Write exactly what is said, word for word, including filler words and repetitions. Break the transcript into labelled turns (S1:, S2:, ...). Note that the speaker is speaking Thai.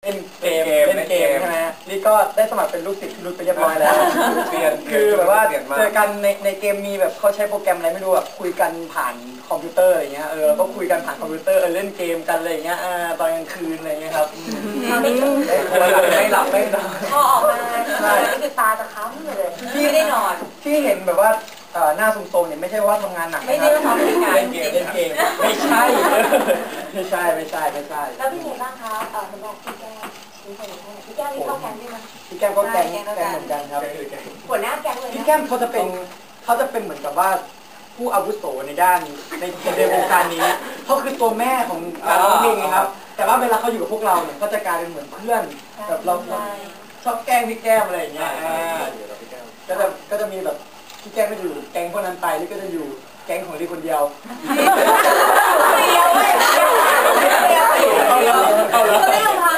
S1: เล่นเกมเล่นเกมใช่ไหมนี่ก็ได้สมัครเป็นลูกศิษย์พี่รุ่นไปเรียบร้อยแล้วเปลี่ยนคือแบบว่าเจอกันในในเกมมีแบบเขาใช้โปรแกรมอะไรไม่รู้แบบคุยกันผ่านคอมพิวเตอร์อะไรเงี้ยเออก็คุยกันผ่านคอมพิวเตอร์เออเล่นเกมกันอะไรเงี้ยตอนกลางคืนอะไรเงี้ยครับไม่หลับไม่นอน
S2: พอออกมาใช่คือตาจะค้ำเลยพี่ไม่ได้นอน
S1: ที่เห็นแบบว่าหน้าซุ่มๆเนี่ยไม่ใช่ว่าทำงานหนัก
S2: ไม่ได้ทำเล่นงาน
S1: เล่นเกมเล่นเกมไม่ใช่ไม่ใช่ไม่ใช่ไม่ใช่
S2: แล้วพี่เห็นบ้างคะเออเห็นบอกพี่แก้วพี่แก้วพี่แก้วนี่เข้าแก๊งด้วยมั้ย
S1: พี่แก้วก็แก๊งแก๊งเหมือนกันครับ
S2: หัวหน้าแก๊งเลย
S1: พี่แก้มเขาจะเป็นเขาจะเป็นเหมือนกับว่าผู้อาวุโสในด้านในในวงการนี้เขาคือตัวแม่ของการร้องเพลงนะครับแต่ว่าเวลาเขาอยู่กับพวกเราเนี่ยก็จะกลายเป็นเหมือนเพื่อนแบบเราชอบแกล้งพี่แก้มอะไรอย่างเงี้ยก็จะก็จะมีแบบพี่แก้มก็อยู่แก๊งพวกนั้นไปนี่ก็จะอยู่แก๊งของลีคนเดียว
S2: เดียวเดียวเดียวเดียวเดียวเดียว